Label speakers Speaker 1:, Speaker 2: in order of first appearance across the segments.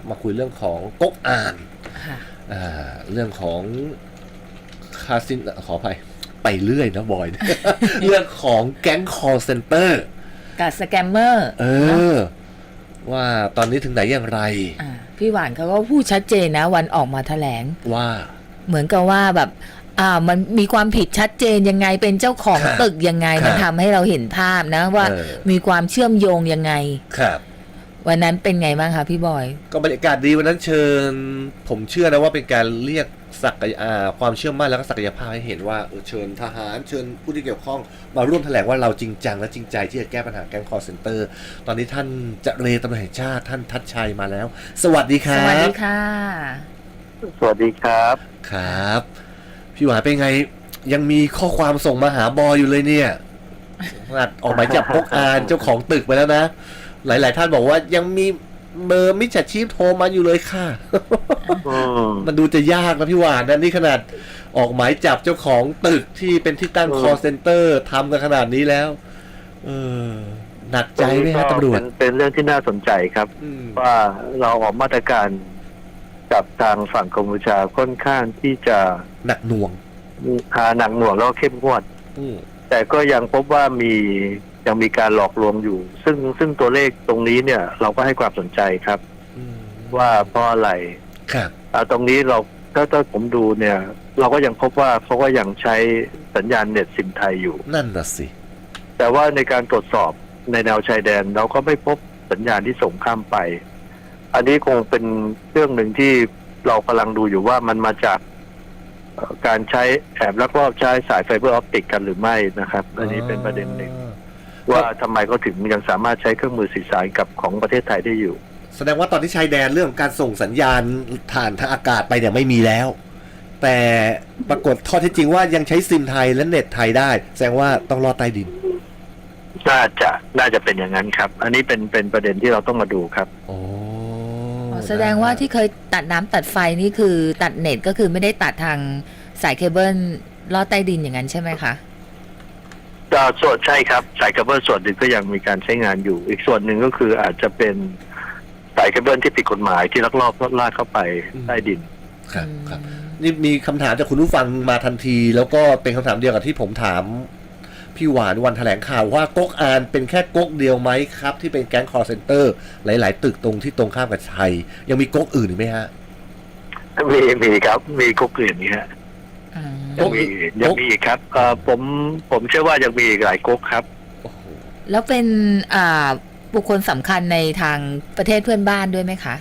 Speaker 1: มาคุยเรื่องของก๊กอ่านเรื่องของคาสินขออภัยไปเรื่อยนะบอย เรื่องของแก๊ง call center
Speaker 2: กับสแกมเมอร์
Speaker 1: ว่าตอนนี้ถึงไหนอย่างไร
Speaker 2: พี่หวานเขาก็พูดชัดเจนนะวันออกมาแถลง
Speaker 1: ว่า
Speaker 2: เหมือนกับว่าแบบมันมีความผิดชัดเจนยังไงเป็นเจ้าของตึกยังไงมันทำให้เราเห็นภาพนะว่ามีความเชื่อมโยงยังไง
Speaker 1: ครับ
Speaker 2: วันนั้นเป็นไงบ้างคะพี่บอย
Speaker 1: ก็บรรยากาศดีวันนั้นเชิญผมเชื่อนะว่าเป็นการเรียกศักยความเชื่อมั่นแล้วก็ศักยภาพให้เห็นว่าเชิญทหารเชิญผู้ที่เกี่ยวข้องมาร่วมแถลงว่าเราจริงจังและจริงใจที่จะแก้ปัญหาแก๊งคอลเซ็นเตอร์ตอนนี้ท่านเจรตำรวจแห่งชาติท่านทัชชัยมาแล้วสวัสดีครับ
Speaker 2: สวัสดีค่ะ
Speaker 3: สวัสดีครับ
Speaker 1: ครับพี่หวานเป็นไงยังมีข้อความส่งมาหาบอยอยู่เลยเนี่ยออกหมายจับก๊กอ่านเจ้าของตึกไปแล้วนะหลายๆท่านบอกว่ายังมีเบอร์มิจฉาชีพโทรมาอยู่เลยค่ะ มันดูจะยากนะพี่หวานนะนี่ขนาดออกหมายจับเจ้าของตึกที่เป็นที่ตั้ง call center ทำกันขนาดนี้แล้วหนักใจไหมครับตำรวจ
Speaker 3: เป็นเรื่องที่น่าสนใจครับว่าเราออกมาตรการกับทางฝั่งกัมพูชาค่อนข้างที่จะ
Speaker 1: หนักหน่วง
Speaker 3: หนักหน่วงแล้วเข้มงวดแต่ก็ยังพบว่ายังมีการหลอกลวงอยู่ซึ่งตัวเลขตรงนี้เนี่ยเราก็ให้ความสนใจครับว่าเพราะอะไร
Speaker 1: ครับ
Speaker 3: ตรงนี้เราถ้าผมดูเนี่ยเราก็ยังพบว่าเขาก็ยังใช้สัญญาณเน็ตซิมไทยอยู่
Speaker 1: นั่นน่ะสิ
Speaker 3: แต่ว่าในการตรวจสอบในแนวชายแดนเราก็ไม่พบสัญญาณที่ส่งข้ามไปอันนี้คงเป็นเรื่องหนึ่งที่เรากำลังดูอยู่ว่ามันมาจากการใช้แอบลักลอบใช้สายไฟเบอร์ออปติกกันหรือไม่นะครับอันนี้เป็นประเด็นหนึ่งว่าทำไมเขาถึงยังสามารถใช้เครื่องมือสื่อสารกับของประเทศไทยได้อยู่
Speaker 1: แสดงว่าตอนที่ชายแดนเรื่องการส่งสัญญาณผ่านทางอากาศไปเนี่ยไม่มีแล้วแต่ปรากฏข้อเท็จจริงว่ายังใช้ซิมไทยและเน็ตไทยได้แสดงว่าต้องลอดใต้ดิน
Speaker 3: น่าจะเป็นอย่างนั้นครับอันนี้เป็นประเด็นที่เราต้องมาดูครับ
Speaker 2: แสดงว่าที่เคยตัดน้ำตัดไฟนี่คือตัดเน็ตก็คือไม่ได้ตัดทางสายเคเบิลลอดใต้ดินอย่างนั้นใช่ไหมคะ
Speaker 3: ส่วนใช่ครับสายเคเบิลส่วนหนึ่งก็ยังมีการใช้งานอยู่อีกส่วนหนึ่งก็คืออาจจะเป็นสายเคเบิลที่ผิดกฎหมายที่ลักลอบลากเข้าไปใต้ดิน
Speaker 1: ครับนี่มีคำถามจากคุณผู้ฟังมาทันทีแล้วก็เป็นคำถามเดียวกับที่ผมถามพี่หวานวันแถลงข่าวว่าก๊กอ่านเป็นแค่ก๊กเดียวไหมครับที่เป็นแก๊ง call center หลายๆตึกตรงที่ตรงข้ามกับชัยยังมีก๊กอื่นอีกไหมฮะ
Speaker 3: มีครับมีก๊กอื่นนี่ฮะยังมีอีกครับผมเชื่อว่ายังมีอีกหลายก๊กครับ
Speaker 2: แล้วเป็นบุคคลสำคัญในทางประเทศเพื่อนบ้านด้วยไหมคะ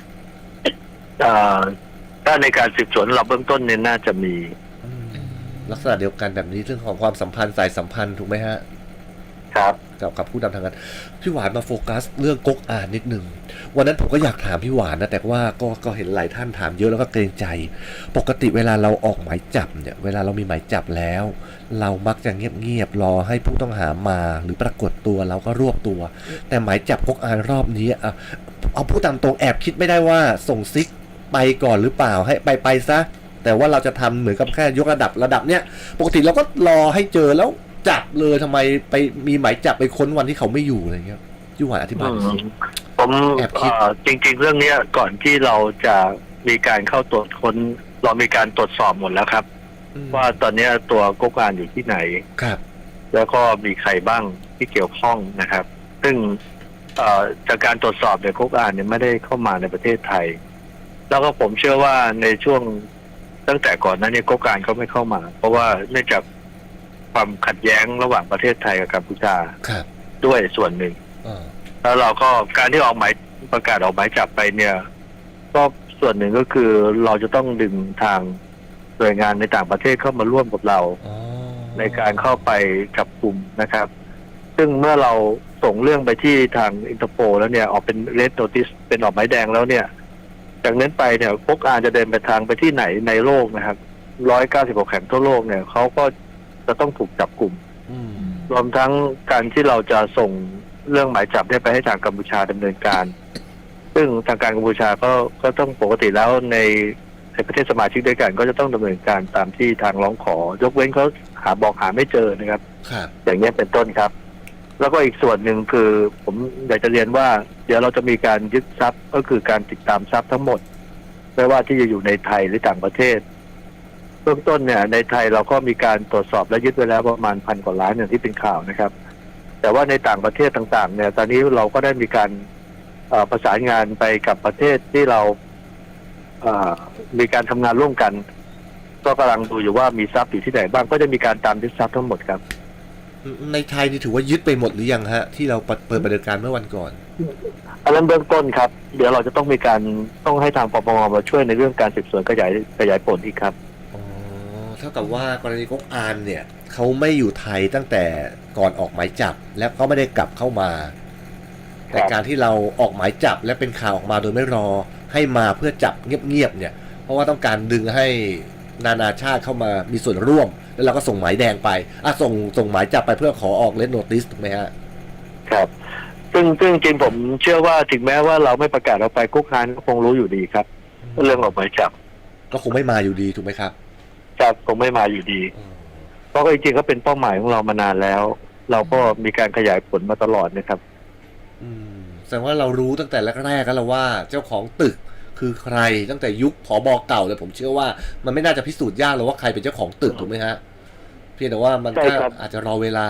Speaker 3: ถ้าในการสืบสวนเราเบื้องต้นเนี่ยน่าจะมี
Speaker 1: ลักษณะเดียวกันแบบนี้เรื่องของความสัมพันธ์สายสัมพันธ์ถูกไหมฮะ
Speaker 3: ครับ
Speaker 1: กับผู้นำทางการพี่หวานมาโฟกัสเรื่องก๊กอ่านนิดนึงวันนั้นผมก็อยากถามพี่หวานนะแต่ว่าก็เห็นหลายท่านถามเยอะแล้วก็เกรงใจปกติเวลาเราออกหมายจับเนี่ยเวลาเรามีหมายจับแล้วเรามักจะเงียบๆรอให้ผู้ต้องหามาหรือปรากฏตัวเราก็รวบตัวแต่หมายจับก๊กอ่านรอบนี้เอาพูดตามตรงแอบคิดไม่ได้ว่าส่งซิกไปก่อนหรือเปล่าให้ไปซะแต่ว่าเราจะทำเหมือนกับแค่ยกระดับเนี้ยปกติเราก็รอให้เจอแล้วจับเลยทำไมไปมีหมายจับไปค้นวันที่เขาไม่อยู่อะไรเงี้ยพี่หวานอธิบาย
Speaker 3: ผมแอบคิดจริงๆเรื่องนี้ก่อนที่เราจะมีการเข้าตรวจค้นเรามีการตรวจสอบหมดแล้วครับว่าตอนนี้ตัวก๊กอ่านอยู่ที่ไหน
Speaker 1: ครับ
Speaker 3: แล้วก็มีใครบ้างที่เกี่ยวข้องนะครับซึ่งจากการตรวจสอบเนี่ยก๊กอ่านเนี่ยไม่ได้เข้ามาในประเทศไทยแล้วก็ผมเชื่อว่าในช่วงตั้งแต่ก่อนนั้นเนี่ยก๊กอ่านเขาไม่เข้ามาเพราะว่าเนื่องจากความขัดแย้งระหว่างประเทศไทยกับกัมพูชาด้วยส่วนหนึ่งแล้วเราก็การที่ออกหมายประกาศออกหมายจับไปเนี่ยก็ส่วนหนึ่งก็คือเราจะต้องดึงทางหน่วยงานในต่างประเทศเข้ามาร่วมกับเราในการเข้าไปจับกลุ่มนะครับซึ่งเมื่อเราส่งเรื่องไปที่ทางอินเตอร์โพลแล้วเนี่ยออกเป็นเรดโนติสเป็นออกหมายแดงแล้วเนี่ยจากนั้นไปเนี่ยพวกจะเดินไปทางไปที่ไหนในโลกนะครับ196แห่งทั่วโลกเนี่ยเขาก็จะต้องถูกจับกลุ่มรวมทั้งการที่เราจะส่งเรื่องหมายจับไปให้ทางกัมพูชาดำเนินการซึ่งทางการกัมพูชาก็ต้องปกติแล้วในประเทศสมาชิกด้วยกันก็จะต้องดำเนินการตามที่ทางร้องขอยกเว้นเขาหาไม่เจอนะครับอย่างนี้เป็นต้นครับแล้วก็อีกส่วนหนึ่งคือผมอยากจะเรียนว่าเดี๋ยวเราจะมีการยึดทรัพย์ก็คือการติดตามทรัพย์ทั้งหมดไม่ว่าที่จะอยู่ในไทยหรือต่างประเทศเบื้องต้นเนี่ยในไทยเราก็มีการตรวจสอบและยึดไว้แล้วประมาณ1,000 กว่าล้านอย่างที่เป็นข่าวนะครับแต่ว่าในต่างประเทศต่างๆเนี่ยตอนนี้เราก็ได้มีการประสานงานไปกับประเทศที่เรามีการทำงานร่วมกันก็กำลังดูอยู่ว่ามีทรัพย์อยู่ที่ไหนบ้างก็จะมีการตามยึดทรัพย์ทั้งหมดครับ
Speaker 1: ในไทยนี่ถือว่ายึดไปหมดหรือยังฮะที่เราเปิดปฏิบัติการเมื่อวันก่อน
Speaker 3: อันนั้นเบื้องต้นครับเดี๋ยวเราจะต้องมีการต้องให้ทางปปงมาช่วยในเรื่องการสืบสวนขยายผลอีกครับ
Speaker 1: อ๋อเท่ากับว่ากรณีก๊กอานเนี่ยเขาไม่อยู่ไทยตั้งแต่ก่อนออกหมายจับและเขาไม่ได้กลับเข้ามาแต่การที่เราออกหมายจับและเป็นข่าวออกมาโดยไม่รอให้มาเพื่อจับเงียบๆเนี่ยเพราะว่าต้องการดึงให้นานาชาติเข้ามามีส่วนร่วมแล้วเราก็ส่งหมายแดงไปส่งหมายจับไปเพื่อขอออกเลดโนติสถูกไหมฮะ
Speaker 3: ครับซึ่งจริงผมเชื่อว่าถึงแม้ว่าเราไม่ประกาศออกไปกุ๊กฮานก็คงรู้อยู่ดีครับเรื่องออกหมายจับ
Speaker 1: ก็คงไม่มาอยู่ดีถูกไหมครับ
Speaker 3: จับคงไม่มาอยู่ดีเพราะจริงๆก็เป็นเป้าหมายของเรามานานแล้วเราก็มีการขยายผลมาตลอดนะครับ
Speaker 1: แสดงว่าเรารู้ตั้งแต่แรกๆแล้วว่าเจ้าของตึกคือใครตั้งแต่ยุคผบ.เก่าเลยผมเชื่อว่ามันไม่น่าจะพิสูจน์ยากหรอกว่าใครเป็นเจ้าของตึกถูกไหมฮะเพียงแต่ว่ามันก็อาจจะรอเวลา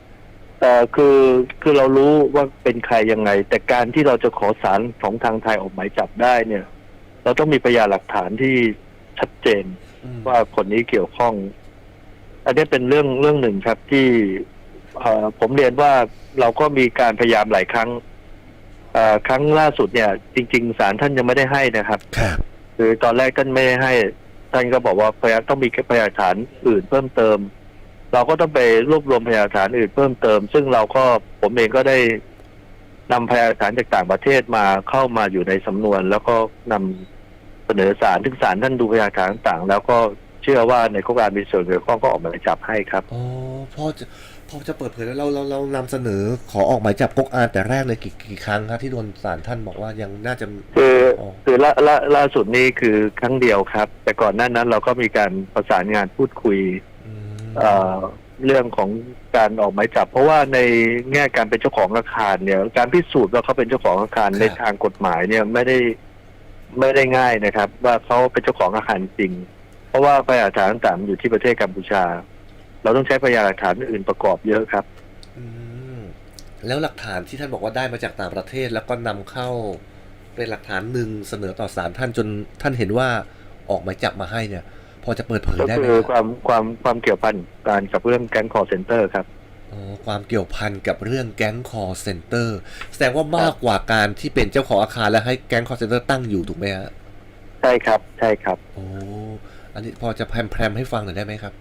Speaker 3: คือเรารู้ว่าเป็นใครยังไงแต่การที่เราจะขอศาลของทางไทยออกหมายจับได้เนี่ยเราต้องมีพยานหลักฐานที่ชัดเจนว่าคนนี้เกี่ยวข้องอันนี้เป็นเรื่องหนึ่งครับที่ผมเรียนว่าเราก็มีการพยายามหลายครั้งครั้งล่าสุดเนี่ยจริงๆศาลท่านยังไม่ได้ให้นะครับคือตอนแรกท่านไม่ได้ให้ท่านก็บอกว่าพยานต้องมีพยานหลักฐานอื่นเพิ่มเติมเราก็ต้องไปรวบรวมพยานหลักฐานอื่นเพิ่มเติมซึ่งผมเองก็ได้นำพยานหลักฐานจากต่างประเทศมาเข้ามาอยู่ในสำนวนแล้วก็นำเสนอศาลซึ่งศาลท่านดูพยานหลักฐานต่างๆแล้วก็เชื่อว่าในโครงการมีส่วนเกี่ยวข้องก็ออกหมายจับให้ครับ
Speaker 1: อ๋อพอจะเปิดเผยแล้วเรานำเสนอขอออกหมายจับก๊กอานแต่แรกเลยกี่ครั้งครับที่โดนศาลท่านบอกว่ายังน่าจะ
Speaker 3: คือล่าสุดนี้คือครั้งเดียวครับแต่ก่อนหน้านั้นเราก็มีการประสานงานพูดคุยเรื่องของการออกหมายจับเพราะว่าในแง่การเป็นเจ้าของอาคารเนี่ยการพิสูจน์ว่าเขาเป็นเจ้าของอาคารในทางกฎหมายเนี่ยไม่ได้ง่ายนะครับว่าเขาเป็นเจ้าของอาคารจริงเพราะว่าพยานหลักฐานต่างๆอยู่ที่ประเทศกัมพูชาเราต้องใช้พยานหลักฐานอื่นประกอบเยอะครับ
Speaker 1: แล้วหลักฐานที่ท่านบอกว่าได้มาจากต่างประเทศแล้วก็นำเข้าเป็นหลักฐานหนึ่งเสนอต่อศาลท่านจนท่านเห็นว่าออกหมายจับมาให้เนี่ยพอจะเปิดเผยได้ไหม
Speaker 3: คือความเกี่ยวพันการกับเรื่องแก๊งคอลเซ็นเตอร์ครับ
Speaker 1: ความเกี่ยวพันกับเรื่องแก๊งคอลเซ็นเตอร์แสดงว่ามากกว่าการที่เป็นเจ้าของอาคารและให้แก๊งคอลเซ็นเตอร์ตั้งอยู่ถูกไหมฮะ
Speaker 3: ใช่ครับ
Speaker 1: โอ้อันนี้พอจะแพรมให้ฟังหน่อยได้ไหมครับ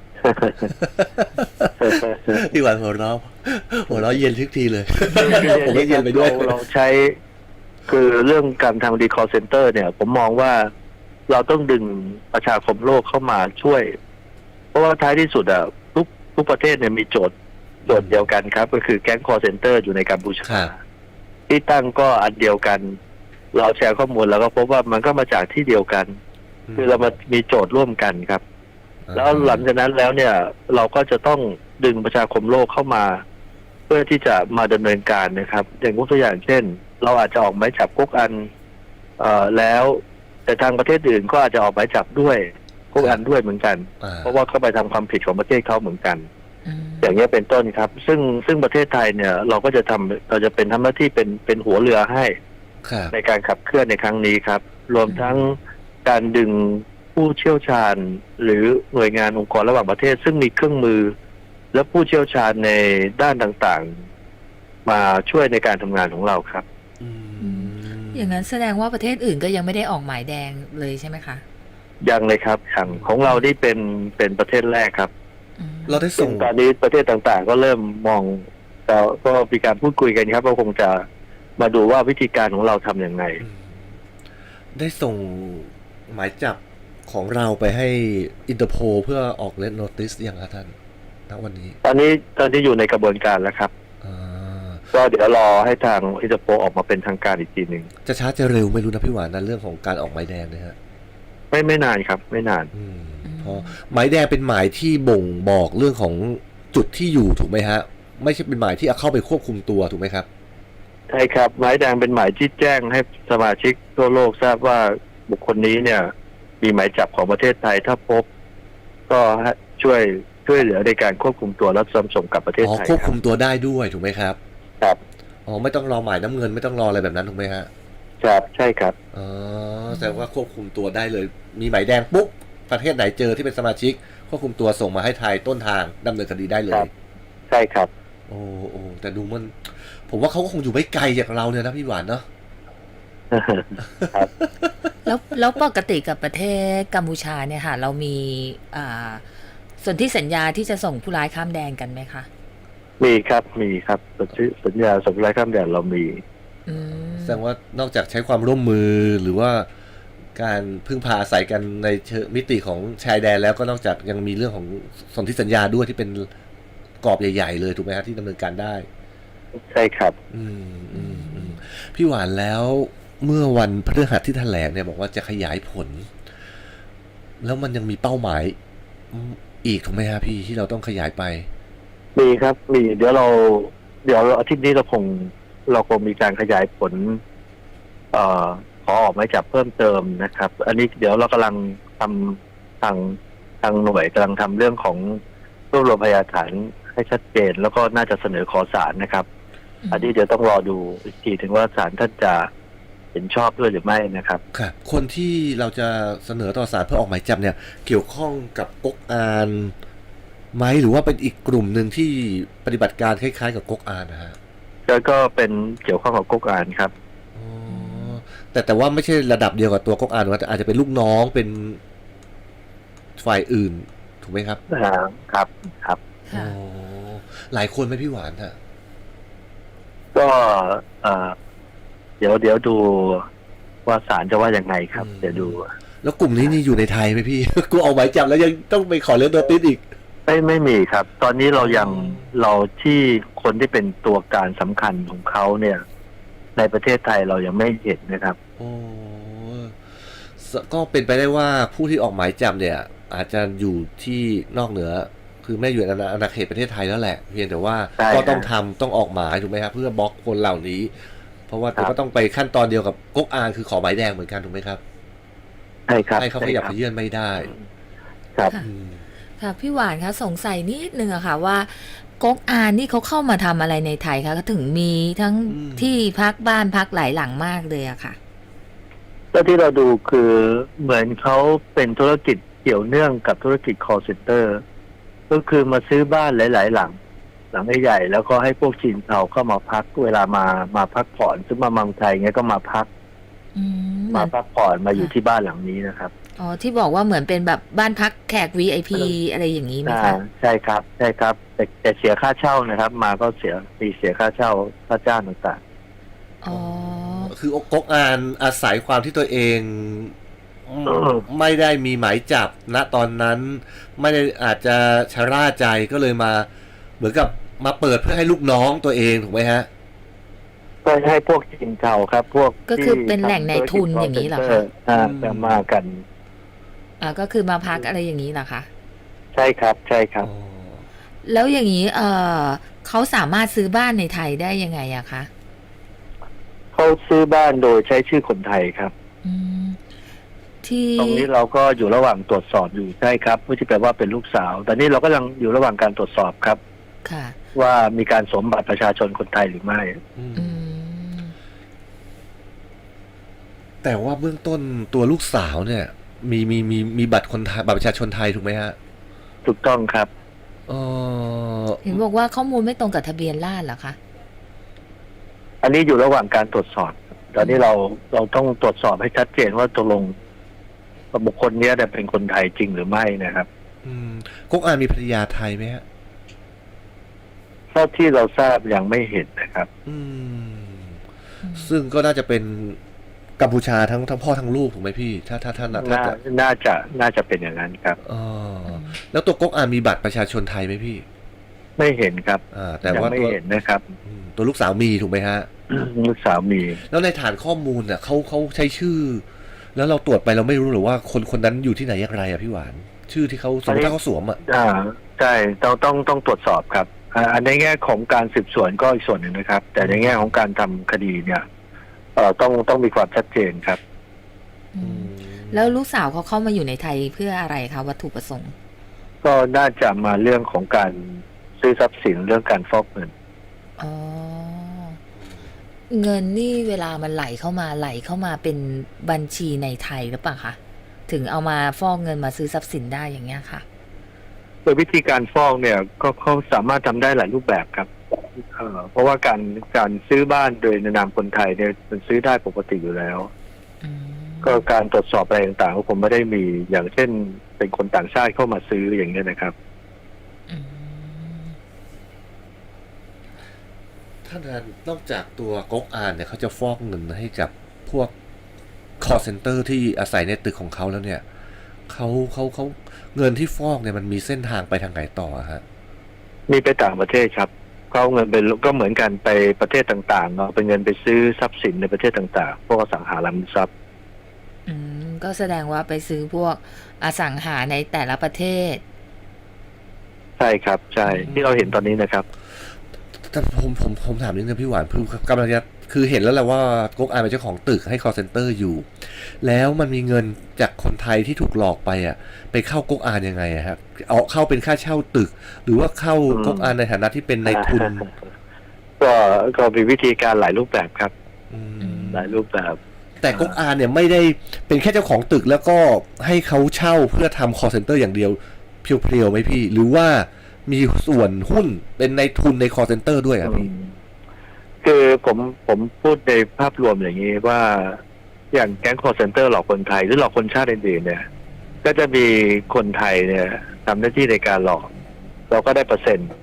Speaker 1: พี่หวานหัวเราะเย็นทุกทีเลยผมก็เย็นไปด้วย
Speaker 3: เราใช้คือเรื่องการทำดีคอลเซ็นเตอร์เนี่ยผมมองว่าเราต้องดึงประชาคมโลกเข้ามาช่วยเพราะว่าท้ายที่สุดทุกประเทศเนี่ยมีโจทย์เดียวกันครับก็คือแก๊งคอลเซ็นเตอร์อยู่ในกัมพูชาที่ตั้งก็อันเดียวกันเราแชร์ข้อมูลแล้วก็พบว่ามันก็มาจากที่เดียวกันคือเรามามีโจทย์ร่วมกันครับแล้วหลังจากนั้นแล้วเนี่ยเราก็จะต้องดึงประชาคมโลกเข้ามาเพื่อที่จะมาดำเนินการนะครับอย่างยกตัวอย่างเช่นเราอาจจะออกหมายจับก๊กอันแล้วแต่ทางประเทศอื่นก็อาจจะออกหมายจับด้วยก๊กอันด้วยเหมือนกันเพราะว่าเขาไปทำความผิดของประเทศเขาเหมือนกันอย่างนี้เป็นต้นครับซึ่งประเทศไทยเนี่ยเราจะเป็นทำหน้าที่เป็นหัวเรือให้ในการขับเคลื่อนในครั้งนี้ครับรวมทั้งการดึงผู้เชี่ยวชาญหรือหน่วยงานองค์กรระหว่างประเทศซึ่งมีเครื่องมือและผู้เชี่ยวชาญในด้านต่างๆมาช่วยในการทำงานของเราครับ
Speaker 2: อย่างนั้นแสดงว่าประเทศอื่นก็ยังไม่ได้ออกหมายแดงเลยใช่ไหมคะ
Speaker 3: ยังเลยครับของเรานี่เป็นประเทศแรกครับ
Speaker 1: เราได้ส่ง
Speaker 3: ตอนนี้ประเทศต่างๆก็เริ่มมองแต่ก็มีการพูดคุยกันครับว่าคงจะมาดูว่าวิธีการของเราทำอย่างไร
Speaker 1: ได้ส่งหมายจับของเราไปให้อินเตอร์โพลเพื่อออกเลดโนติสอย่างครับท่านณวันนี้
Speaker 3: ตอนนี้อยู่ในกระบวนการแล้วครับก็เดี๋ยวรอให้ทางอินเตอร์โพลออกมาเป็นทางการอีกทีหนึ่ง
Speaker 1: จะช้าจะเร็วไม่รู้นะพี่หวานนะเรื่องของการออกหมายแดงนะฮะ
Speaker 3: ไม่นานครับไม่นาน
Speaker 1: เพราะหมายแดงเป็นหมายที่บ่งบอกเรื่องของจุดที่อยู่ถูกไหมฮะไม่ใช่เป็นหมายที่เอาเข้าไปควบคุมตัวถูกไหมครับ
Speaker 3: ใช่ครับหมายแดงเป็นหมายที่แจ้งให้สมาชิกทั่วโลกทราบว่าบุคคลนี้เนี่ย มีหมายจับของประเทศไทยถ้าพบ ก็ช่วยเหลือในการควบคุมตัวและส่งกลับประเทศ
Speaker 1: อ๋อ
Speaker 3: ไทย
Speaker 1: ควบคุมตัวได้ด้วยถูกไหมครับ
Speaker 3: ครับ
Speaker 1: อ๋อไม่ต้องรอหมายน้ำเงินไม่ต้องรออะไรแบบนั้นถูกไหมฮะ
Speaker 3: ครับใช่ครับ
Speaker 1: อ๋อแสดงว่าควบคุมตัวได้เลย มีหมายแดงปุ๊บประเทศไหนเจอที่เป็นสมาชิกควบคุมตัวส่งมาให้ไทยต้นทางดำเนินคดีได้เล
Speaker 3: ครั
Speaker 1: ย
Speaker 3: บ ใช่ครับ
Speaker 1: โอ้แต่ดูมัน ผมว่าเขาก็คงอยู่ไม่ไกลจากเราเนี่ยนะพี่หวานเนาะ
Speaker 2: แล้วปกติกับประเทศกัมพูชาเนี่ยค่ะ เรามีส่วนที่สัญญาที่จะส่งผู้ร้ายข้ามแดนกันไหมคะ
Speaker 3: มีครับสัญญาส่งผู้ร้ายข้ามแดนเรามี
Speaker 2: อืม
Speaker 1: แสดงว่านอกจากใช้ความร่วมมือหรือว่าการพึ่งพาอาศัยกันในเชิงมิติของชายแดนแล้วก็นอกจากยังมีเรื่องของสนธิสัญญาด้วยที่เป็นกรอบใหญ่ๆเลยถูกไหมฮะที่ดำเนินการได้
Speaker 3: ใช่ครับ
Speaker 1: พี่หวานแล้วเมื่อวันพฤหัสที่แถลงเนี่ยบอกว่าจะขยายผล แล้วมันยังมีเป้าหมายอีกถูกไหมฮะพี่ที่เราต้องขยายไป
Speaker 3: มีครับมีเดี๋ยวอาทิตย์นี้เราคงมีการขยายผลขอออกหมายจับเพิ่มเติมนะครับ อันนี้เดี๋ยวเรากำลังทำทางหน่วยกำลังทำเรื่องของรวบรวมพยานฐานให้ชัดเจน แล้วก็น่าจะเสนอขอศาลนะครับ อันนี้เดี๋ยวต้องรอดูอีกทีถึงว่าศาลท่านจะเห็นชอบด้วยหรือไม่นะครับ
Speaker 1: ครับคนที่เราจะเสนอต่อศาลเพื่อออกหมายจับเนี่ยเกี่ยวข้องกับก๊กอานไหมหรือว่าเป็นอีกกลุ่มหนึ่งที่ปฏิบัติการคล้ายๆกับก๊กอานนะฮะ
Speaker 3: แล้วก็เป็นเกี่ยวข้องกับก๊กอานครับ
Speaker 1: อ๋อแต่ว่าไม่ใช่ระดับเดียวกับตัวก๊กอานว่าอาจจะเป็นลูกน้องเป็นฝ่ายอื่นถูกไหมครับ
Speaker 3: ครับครับ
Speaker 2: ค่ะ
Speaker 1: อ๋อหลายคนไหมพี่หวานฮะ
Speaker 3: ก็เดี๋ยวดูว่าศาลจะว่ายังไงครับ เดี๋ยวดู
Speaker 1: แล้วกลุ่มนี้นี่อยู่ในไทยไหมพี่ กูออกหมายจับแล้วยังต้องไปขอเลื่อนตัวติดอีก
Speaker 3: ไม่มีครับ ตอนนี้เราที่คนที่เป็นตัวการสำคัญของเขาเนี่ย ในประเทศไทยเรายังไม่เห็นนะครับ
Speaker 1: โอ้ก็เป็นไปได้ว่าผู้ที่ออกหมายจับเนี่ย อาจจะอยู่ที่นอกเหนือ คือไม่อยู่ในอาณาเขตประเทศไทยแล้วแหละเพียงแต่ว่า
Speaker 3: ใช่
Speaker 1: ก็
Speaker 3: ครับ
Speaker 1: ต้องออกหมายถูกไหมครับเพื่อบล็อกคนเหล่านี้ เพราะว่า
Speaker 3: ครับ
Speaker 1: ก็ต้องไปขั้นตอนเดียวกับก๊กอานคือขอหมายแดงเหมือนกันถูกไหมครับ
Speaker 3: ใช่ครับ
Speaker 1: ให้เขาขยับขยื่นไม่ได้
Speaker 3: ครับ
Speaker 2: ค่ะ
Speaker 1: อืม
Speaker 2: ค่ะพี่หวานคะสงสัยนิดนึงอะค่ะว่าก๊กอานนี่เขาเข้ามาทำอะไรในไทยคะก็ถึงมีทั้งที่พักบ้านพักหลายหลังมากเลยอะค่ะ
Speaker 3: แล้วที่เราดูคือเหมือนเขาเป็นธุรกิจเกี่ยวเนื่องกับธุรกิจ call center ก็คือมาซื้อบ้านหลายๆหลังใหญ่ๆแล้วก็ให้พวกจีนเทาเข้ามาพักเวลามาพักผ่อนซึ่งมาเมืองไทยเงี้ยก็มาพัก
Speaker 2: อืมเหมื
Speaker 3: มา
Speaker 2: อน
Speaker 3: พักผ่อนมาอยู่ที่บ้านหลังนี้นะครับ
Speaker 2: อ๋อที่บอกว่าเหมือนเป็นแบบบ้านพักแขก VIP อะไรอย่างนี้ไหมคะ
Speaker 3: ใช่ครับใช่ครับ แต่เสียค่าเช่านะครับ มาก็เสียค่าเช่าค่าจ้างต่าง
Speaker 2: อ๋อ
Speaker 1: คือก๊กอานอาศัยความที่ตัวเองไม่ได้มีหมายจับณตอนนั้น ไม่ได้อาจจะชะล่าใจก็เลยมาเหมือนกับมาเปิดเพื่อให้ลูกน้องตัวเองถูกไหมฮะ
Speaker 3: ๆก็ให้พวกจีนเทาครับ พวก
Speaker 2: ก็คือเป็นแหล่งในทุนอย่างนี้เหรอคะ
Speaker 3: จะมากัน
Speaker 2: ก็คือมาพักอะไรอย่างนี้เหรอคะ
Speaker 3: ใช่ครับใช่ครับ
Speaker 2: แล้วอย่างนี้เขาสามารถซื้อบ้านในไทยได้ยังไงอะคะ
Speaker 3: เขาซื้อบ้านโดยใช้ชื่อคนไทยครับ
Speaker 2: อืมที่
Speaker 3: ตรงนี้เราก็อยู่ระหว่างตรวจสอบอยู่ใช่ครับไม่ใช่แปลว่าเป็นลูกสาว แต่นี่เราก็ยังอยู่ระหว่างการตรวจสอบครับ
Speaker 2: ค่ะ
Speaker 3: ว่ามีการสวมบัตรประชาชนคนไทยหรือไม่
Speaker 2: อืม
Speaker 1: แต่ว่าเบื้องต้นตัวลูกสาวเนี่ย มีบัตรคนไทยบัตรประชาชนไทยถูกไหมฮะ
Speaker 3: ถูกต้องครับ
Speaker 2: เห็นบอกว่าข้อมูลไม่ตรงกับทะเบียนราษฎร์เหรอคะ
Speaker 3: อันนี้อยู่ระหว่างการตรวจสอบตอนนี้เราต้องตรวจสอบให้ชัดเจนว่าตกลงบุคคลนี้เป็นคนไทยจริงหรือไม่นะครับ
Speaker 1: ก๊กอานมีภรรยาไทยไหมฮะ
Speaker 3: เท่าที่เราทราบยังไม่เห็นนะครับ
Speaker 1: ซึ่งก็น่าจะเป็นกัมพูชาทั้งพ่อทั้งลูกถูกไหมพี่ ถ้า
Speaker 3: น่าจะเป็นอย่างนั้นครับ
Speaker 1: แล้วตัวก๊กอานมีบัตรประชาชนไทยไหมพี่
Speaker 3: ไม่เห็นครับ
Speaker 1: แต่
Speaker 3: ยัง
Speaker 1: ว่า
Speaker 3: ไม่เห็นนะครับ
Speaker 1: ตัวลูกสาวมีถูกไหมฮะ
Speaker 3: ลูกสาวมี
Speaker 1: แล้วในฐานข้อมูลเนี่ยเขาใช้ชื่อ แล้วเราตรวจไปเราไม่รู้หรือว่าคนนั้นอยู่ที่ไหนอย่างไรอะพี่หวาน ชื่อที่เขาสมมติถ้าเขาสวมอะ
Speaker 3: ใช่ต้องตรวจสอบครับอันในแง่ของการสืบสวนก็อีกส่วนหนึ่งนะครับ แต่ในแง่ของการทำคดีเนี่ยต้องมีความชัดเจนครับ
Speaker 2: แล้วลูกสาวเขาเข้ามาอยู่ในไทยเพื่ออะไรคะวัตถุประสงค์
Speaker 3: ก็น่าจะมาเรื่องของการซื้อทรัพย์สินเรื่องการฟอกเงิน
Speaker 2: อ๋อ เงินนี่เวลามันไหลเข้ามาเป็นบัญชีในไทยหรือเปล่าคะถึงเอามาฟอกเงินมาซื้อทรัพย์สินได้อย่างเงี้ยค่ะ
Speaker 3: โดยวิธีการฟอกเนี่ยก็เขาสามารถทำได้หลายรูปแบบครับเพราะว่าการซื้อบ้านโดยในนามคนไทยเนี่ยมันซื้อได้ปกติอยู่แล้ว ก็การตรวจสอบอะไรต่างๆก็ผมไม่ได้มีอย่างเช่นเป็นคนต่างชาติเข้ามาซื้ออย่างนี้ยนะครับ
Speaker 1: ท่านนั้นนอกจากตัวก๊กอานเนี่ยเขาจะฟอกเงินให้กับพวก call center ที่อาศัยในตึกของเขาแล้วเนี่ยเขาเงินที่ฟอกเนี่ยมันมีเส้นทางไปทางไหนต่อฮะ
Speaker 3: มีไปต่างประเทศครับเขาเอาเงินไปก็เหมือนกันไปประเทศต่างๆเนาะเป็นเงินไปซื้อทรัพย์สินในประเทศต่างๆพวกอสังหาริมทรัพย์
Speaker 2: ก็แสดงว่าไปซื้อพวกอสังหาในแต่ละประเทศ
Speaker 3: ใช่ครับใช่ที่เราเห็นตอนนี้นะครับ
Speaker 1: แต่ผมถามนิดนึงพี่หวานคือกำลังจะคือเห็นแล้วแหละว่าก๊กอานเป็นเจ้าของตึกให้ call center อยู่ แล้วมันมีเงินจากคนไทยที่ถูกหลอกไปไปเข้าก๊กอานยังไงครับเอาเข้าเป็นค่าเช่าตึก หรือว่าเข้าก๊กอานในฐานะที่เป็นนายทุน
Speaker 3: ก็มีวิธีการหลายรูปแบบครับหลายรูปแบบ
Speaker 1: แต่ก๊กอานเนี่ยไม่ได้เป็นแค่เจ้าของตึกแล้วก็ให้เขาเช่าเพื่อทำ call center อย่างเดียวเพียวๆไหมพี่ หรือว่ามีส่วนหุ้นเป็นนายทุนใน call center ด้วยครับพี่
Speaker 3: คือผมพูดในภาพรวมอย่างนี้ว่าอย่างแก๊ง call center หลอกคนไทยหรือหลอกคนชาติอื่นๆเนี่ยก็จะมีคนไทยเนี่ยทำหน้าที่ในการหลอกเราก็ได้เปอร์เซ็นต์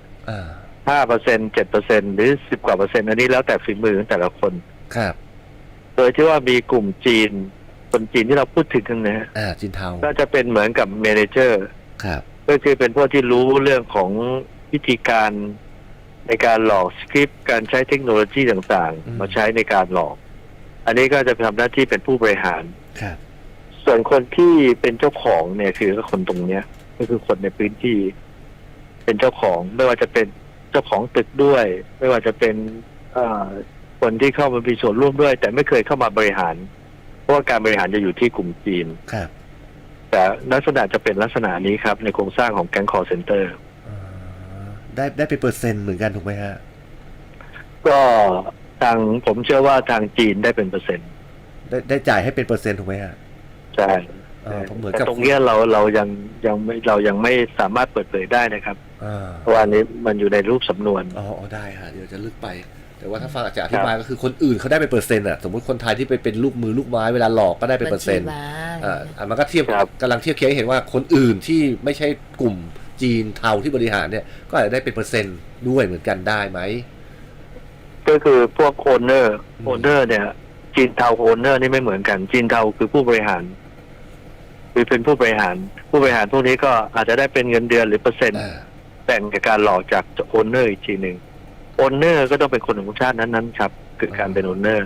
Speaker 3: 5% 7%หรือ10 กว่าเปอร์เซ็นต์อันนี้แล้วแต่ฝีมือของแต่ละคน
Speaker 1: ครับ
Speaker 3: โดยที่ว่ามีกลุ่มจีนคนจีนที่เราพูดถึงกันนะฮะ
Speaker 1: จีนเทา
Speaker 3: ก็จะเป็นเหมือนกับเมเนเจอร์
Speaker 1: ครับ
Speaker 3: ก็คือเป็นพวกที่รู้เรื่องของวิธีการในการหลอกสคริปต์การใช้เทคโนโลยีต่างๆมาใช้ในการหลอก อันนี้ก็จะทำหน้าที่เป็นผู้บริหาร
Speaker 1: ครับ
Speaker 3: ส่วนคนที่เป็นเจ้าของเนี่ยคือคนตรงเนี้ยก็คือคนในพื้นที่เป็นเจ้าของไม่ว่าจะเป็นเจ้าของตึกด้วย ไม่ว่าจะเป็นคนที่เข้ามามีส่วนร่วมด้วย แต่ไม่เคยเข้ามาบริหารเพราะว่าการบริหารจะอยู่ที่กลุ่มจีน
Speaker 1: ครับ
Speaker 3: แต่ลักษณะจะเป็นลักษณะนี้ครับในโครงสร้างของแก๊ง call center
Speaker 1: ได้เป็นเปอร์เซ็นต์เหมือนกันถูกไหมฮะ
Speaker 3: ก็ทางผมเชื่อว่าทางจีนได้เป็นเปอร์เซ็นต์
Speaker 1: ได้จ่ายให้เป็นเปอร์เซ็นต์ถูกไหมฮะ
Speaker 3: ใช่แต่ตรงนี้เรายังไม่สามารถเปิดเผยได้นะครับเพราะว่านี้มันอยู่ในรูปสำนวน
Speaker 1: ได้ฮะเดี๋ยวจะลึกไปแต่ว่าถ้าฟังอาจารย์อธิบายก็คือคนอื่นเขาได้เป็นเปอร์เซ็นต์สมมติคนไทยที่ไปเป็นลูกมือลูกไม้เวลาหลอกก็ได้เป็นเปอร์เซ็นต์มันก็เทียบกำลังเทียบเคียงให้เห็นว่าคนอื่นที่ไม่ใช่กลุ่มจีนเทาที่บริหารเนี่ยก็อาจจะได้เป็นเปอร์เซ็นต์ด้วยเหมือนกันได้ไหม
Speaker 3: ก็คือพวกโอนเนอร์เนี่ยจีนเทาโอนเนอร์นี่ไม่เหมือนกันจีนเทาคือผู้บริหารคือเป็นผู้บริหารพวกนี้ก็อาจจะได้เป็นเงินเดือนหรือเปอร์เซ็นต์แบ่งจากการหลอกจากโอนเนอร์อีกทีหนึ่งโอนเนอร์ก็ต้องเป็นคนของชาตินั้นๆครับคือการเป็นโอนเนอร์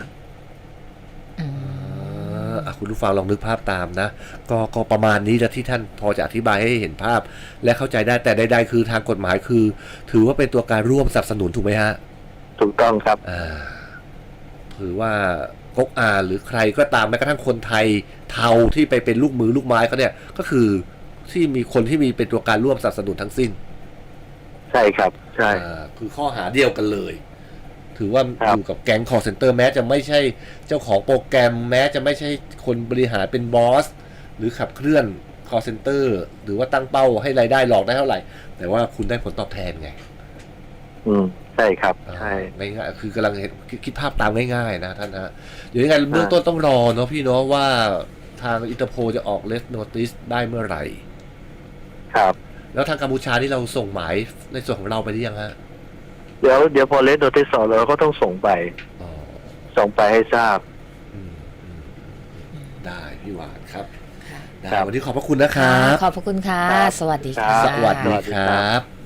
Speaker 1: คุณผู้ฟังลองนึกภาพตามนะก็ประมาณนี้แล้วที่ท่านพอจะอธิบายให้เห็นภาพและเข้าใจได้แต่ใดๆคือทางกฎหมายคือถือว่าเป็นตัวการร่วมสนับสนุนถูกไหมฮะ
Speaker 3: ถูกต้องครับ
Speaker 1: ถือว่าก๊กอานหรือใครก็ตามแม้กระทั่งคนไทยเทาที่ไปเป็นลูกมือลูกไม้เขาเนี่ยก็คือที่มีคนที่มีเป็นตัวการร่วมสนับสนุนทั้งสิ้น
Speaker 3: ใช่ครับใช่
Speaker 1: คือข้อหาเดียวกันเลยถือว่าอยู่กับแก๊ง call center แม้จะไม่ใช่เจ้าของโปรแกรมแม้จะไม่ใช่คนบริหารเป็นบอสหรือขับเคลื่อน call center หรือว่าตั้งเป้าให้รายได้หลอกได้เท่าไหร่แต่ว่าคุณได้ผลตอบแทนไง
Speaker 3: ใช่ครับใช่
Speaker 1: ง่ายๆคือกำลังคิดภาพตามง่ายๆนะท่านฮะเดี๋ยวยังไงเบื้องต้นต้องรอเนาะพี่เนาะว่าทางอินเตอร์โพลจะออกเลสโนติสได้เมื่อไหร่
Speaker 3: ครับ
Speaker 1: แล้วทางกัมพูชาที่เราส่งหมายในส่วนของเราไปหรือยังฮะ
Speaker 3: เดี๋ยวพอเลสโนติสเราก็ต้องส่งไปให้ทราบ
Speaker 1: ได้พี่หวานครับวันนี้ขอบพระคุณนะครับ
Speaker 2: ขอบพระคุณค่ะสวัสดีค่ะ
Speaker 1: สวัสดีครับ